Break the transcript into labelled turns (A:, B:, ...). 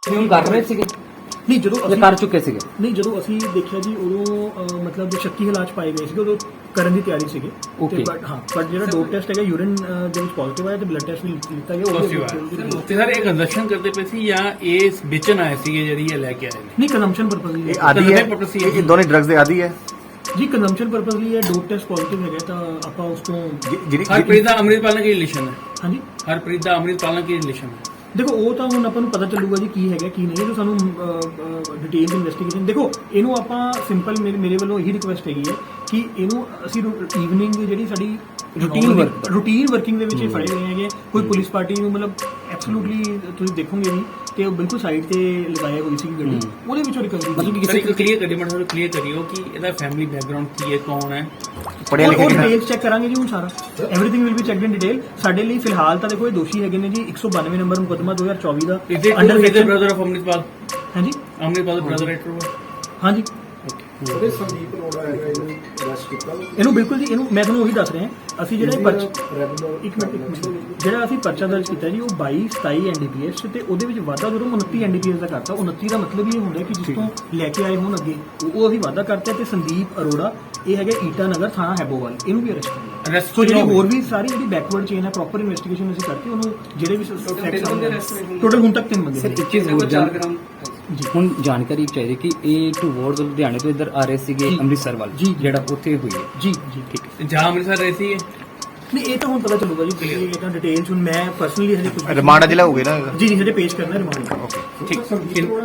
A: ਹੁਣ ਕਰ ਰਹੇ ਸੀਗੇ
B: ਨਹੀਂ ਜਦੋਂ
A: ਜਾਂ
B: ਅਸੀਂ
A: ਕਰ ਚੁੱਕੇ ਸੀਗੇ?
B: ਨਹੀਂ ਜਦੋਂ ਅਸੀਂ ਦੇਖਿਆ ਜੀ ਉਦੋਂ ਮਤਲਬ ਜੋ ਸ਼ੱਕੀ ਹਾਲਾਤ 'ਚ ਪਾਏ ਗਏ ਸੀਗੇ ਉਦੋਂ ਕਰਨ ਦੀ ਤਿਆਰੀ ਸੀਗੀ
A: Okay.
B: ਬਟ ਜਿਹੜਾ ਡੋਪ ਟੈਸਟ ਹੈਗਾ ਯੂਰਿਨ ਦੇ ਵਿੱਚ ਪੋਜ਼ਿਟਿਵ ਆਇਆ ਤੇ ਬਲੱਡ ਟੈਸਟ ਵੀ ਲਿੱਤਾ ਗਿਆ
C: ਤੇ ਸਰ ਇਹ ਕੰਜ਼ੰਪਸ਼ਨ ਕਰਦੇ ਪਏ ਸੀ ਜਾਂ ਇਹ ਵੇਚਣ ਆਏ ਸੀਗੇ ਜਿਹੜੀ ਇਹ ਲੈ ਕੇ ਆਏ ਨੇ?
B: ਨਹੀਂ ਕੰਜ਼ੰਪਸ਼ਨ ਪਰਪਸ ਲਈ
D: ਇਹ ਆਦੀ ਹੈ, ਇਹ ਦੋਨੇ ਡਰੱਗਸ ਦੇ ਆਦੀ ਹੈ
B: ਜੀ ਕੰਜ਼ੰਪਸ਼ਨ ਪਰਪਸ ਲਈ ਇਹ ਡੋਪ ਟੈਸਟ ਪੋਜ਼ਿਟਿਵ ਹੈਗਾ ਤਾਂ ਆਪਾਂ ਉਸ ਤੋਂ
D: ਜਿਹੜੀ
C: ਹਰਪ੍ਰੀਤ ਦਾ ਅੰਮ੍ਰਿਤਪਾਲ ਨਾਲ ਕੀ ਰਿਲੇਸ਼ਨ ਹੈ?
B: ਹਾਂਜੀ
C: ਹਰਪ੍ਰੀਤ ਦਾ ਅੰਮ੍ਰਿਤਪਾਲ ਨਾਲ ਕੀ ਰਿਲੇਸ਼ਨ ਹੈ?
B: ਦੇਖੋ ਉਹ ਤਾਂ ਹੁਣ ਆਪਾਂ ਨੂੰ ਪਤਾ ਚੱਲੂਗਾ ਜੀ ਕੀ ਹੈਗਾ ਕੀ ਨਹੀਂ ਹੈ ਜੋ ਸਾਨੂੰ ਡਿਟੇਲਸ ਇਨਵੈਸਟੀਗੇਸ਼ਨ ਦੇਖੋ ਇਹਨੂੰ ਆਪਾਂ ਸਿੰਪਲ ਮੇਰੇ ਵੱਲੋਂ ਇਹੀ ਰਿਕੁਐਸਟ ਹੈਗੀ ਹੈ ਕਿ ਇਹਨੂੰ ਅਸੀਂ ਈਵਨਿੰਗ ਜਿਹੜੀ ਸਾਡੀ ਰੂਟੀਨ ਵਰਕਿੰਗ ਦੇ ਵਿੱਚ ਇਹ ਫੜੇ ਗਏ ਹੈਗੇ ਕੋਈ ਪੁਲਿਸ ਪਾਰਟੀ ਨੂੰ ਮਤਲਬ ਐਬਸੋਲੂਟਲੀ ਤੁਸੀਂ ਦੇਖੋਗੇ ਵੀ ਤੇ ਉਹ ਬਿਲਕੁਲ ਸਾਈਡ ਤੇ ਲਗਾਇਆ ਹੋਈ ਸੀ ਗੱਡੀ ਉਹਦੇ ਵਿੱਚੋਂ ਰਿਕਵਰੀ
C: ਮਤਲਬ ਕਿਸੇ ਨੂੰ ਕਲੀਅਰ ਕਰੀ ਮਤਲਬ ਕਲੀਅਰ ਕਰਿਓ ਕਿ ਇਹਦਾ ਫੈਮਿਲੀ ਬੈਕਗ੍ਰਾਉਂਡ ਕੀ ਹੈ, ਕੌਣ ਹੈ?
D: ਪੜਿਆ ਲਿਖਿਆ ਕਿੰਨਾ?
B: ਡਿਟੇਲਸ ਚੈੱਕ ਕਰਾਂਗੇ ਜੀ ਹੁਣ ਸਾਰਾ everything will be checked in detail ਸਾਡੇ ਲਈ ਫਿਲਹਾਲ ਤਾਂ ਦੇਖੋ ਇਹ ਦੋਸ਼ੀ ਹੈਗੇ ਨੇ ਜੀ 192 ਨੰਬਰ ਮੁਕੱਦਮਾ 2024 ਦਾ
C: ਅੰਡਰ ਬ੍ਰਦਰ ਆਫ ਅੰਮ੍ਰਿਤਪਾਲ
B: ਹਾਂਜੀ
C: ਅੰਮ੍ਰਿਤਪਾਲ ਦਾ ਬ੍ਰਦਰ ਰਾਈਟਰ
B: ਹਾਂਜੀ
E: ਉਹਦੇ ਸੰਦੀਪ ਅਰੋੜਾ ਹੈਗਾ ਇਹਨੂੰ ਅਰੈਸਟ ਕੀਤਾ
B: ਇਹਨੂੰ ਬਿਲਕੁਲ ਜੀ ਇਹਨੂੰ ਮੈਂ ਤੁਹਾਨੂੰ ਉਹੀ ਦੱਸ ਰਿਹਾ ਅਸੀਂ ਜਿਹੜਾ ਇਹ ਪਰਚਾ
E: ਰੈਗੂਲਰ
B: ਇੱਕ ਮਿੰਟ ਜਿਹੜਾ ਅਸੀਂ ਪਰਚਾ ਦਰਜ ਕੀਤਾ ਜੀ ਉਹ 22 27 ਐਨਡੀਪੀਐਸ ਤੇ ਉਹਦੇ ਵਿੱਚ ਵਾਧਾ ਜਦੋਂ 29 ਐਨਡੀਪੀਐਸ ਦਾ ਕਰਤਾ 29 ਦਾ ਮਤਲਬ ਇਹ ਹੁੰਦਾ ਕਿ ਜਿਸ ਤੋਂ ਲੈ ਕੇ ਆਏ ਹੋਣ ਅੱਗੇ ਉਹ ਅਸੀਂ ਵਾਧਾ ਕਰਤਾ ਤੇ ਸੰਦੀਪ ਅਰੋੜਾ ਇਹ ਹੈਗਾ ਈਟਾ ਨਗਰ ਥਾਣਾ ਹੈਬੋਵਾਲ ਇਹਨੂੰ ਵੀ ਅਰੈਸਟ ਕੀਤਾ
C: Arrest
B: ਸੋ ਜਿਹੜੀ
C: ਕਿਉਂ?
B: ਹੋਰ ਵੀ ਸਾਰੀ ਜਿਹੜੀ ਬੈਕਵਰਡ ਚੇਨ ਹੈ ਪ੍ਰੋਪਰ ਇਨਵੈਸਟੀਗੇਸ਼ਨ ਅਸੀਂ ਕਰਕੇ ਉਹਨੂੰ ਜਿਹੜੇ ਵੀ ਟੋਟਲ ਹੁਣ ਤੱਕ 3 ਬੰਦੇ
A: ਸਰ
B: ਨੇ।
A: ਇੱਕ ਚੀਜ਼ ਹੋਰ
B: ਜੀ
A: ਹੁਣ ਜਾਣਕਾਰੀ ਚਾਹੀਦੀ ਕਿ ਇਹ ਟੂਵਰਡ ਲੁਧਿਆਣੇ ਤੋਂ ਇੱਧਰ ਆ ਰਹੇ ਸੀਗੇ
B: ਜੀ।
A: ਅੰਮ੍ਰਿਤਸਰ ਵੱਲ
B: ਜੀ।
A: ਜਿਹੜਾ ਉੱਥੇ ਹੋਈ ਹੈ।
B: ਜੀ ਜੀ
A: ਠੀਕ
C: ਜਾਂ ਅੰਮ੍ਰਿਤਸਰ ਰਹੀ ਸੀ
B: ਨਹੀਂ ਇਹ ਤਾਂ ਹੁਣ ਪਤਾ ਚੱਲੂਗਾ ਜੀ ਇਹ ਤਾਂ ਡਿਟੇਲਸ ਹੁਣ ਮੈਂ ਪਰਸਨਲੀ ਹਜੇ ਕੁਝ
D: ਰਿਮਾਂਡ ਜ਼ਿਲ੍ਹਾ ਹੋ ਗਿਆ ਨਾ
B: ਜੀ ਜੀ ਹਜੇ ਪੇਸ਼ ਕਰਨਾ ਰਿਮਾਂਡ
C: ਠੀਕ